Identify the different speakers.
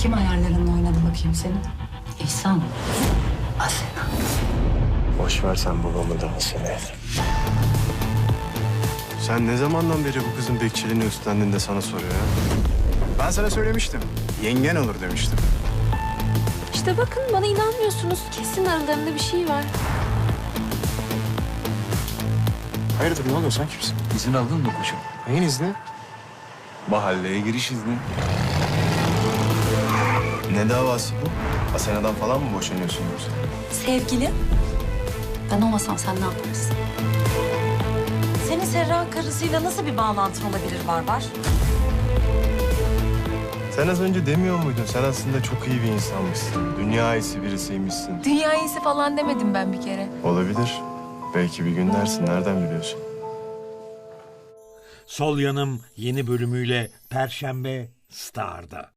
Speaker 1: Kim hayallerinle oynadı bakayım senin?
Speaker 2: İhsan. Asena.
Speaker 3: Boş ver sen babamı da Asena'yı. Sen ne zamandan beri bu kızın bekçiliğini üstlendin de sana soruyor ya?
Speaker 4: Ben sana söylemiştim. Yengen olur demiştim.
Speaker 5: İşte bakın bana inanmıyorsunuz. Kesin aralarında bir şey var.
Speaker 4: Hayırdır ne oluyor sen kimsin?
Speaker 6: İzin aldın mı koçum?
Speaker 4: Neyin izni?
Speaker 6: Mahalleye giriş izni.
Speaker 3: Ne davası bu? Asena'dan falan mı boşanıyorsun yoksa?
Speaker 2: Sevgili. Ben olmasam sen ne yaparsın? Senin Serra karısıyla nasıl bir bağlantın olabilir Barbar?
Speaker 3: Sen az önce demiyor muydun? Sen aslında çok iyi bir insanmışsın. Dünya iyisi birisiymişsin.
Speaker 5: Dünya iyisi falan demedim ben bir kere.
Speaker 3: Olabilir. Belki bir gün dersin. Nereden biliyorsun?
Speaker 7: Sol Yanım yeni bölümüyle Perşembe Star'da.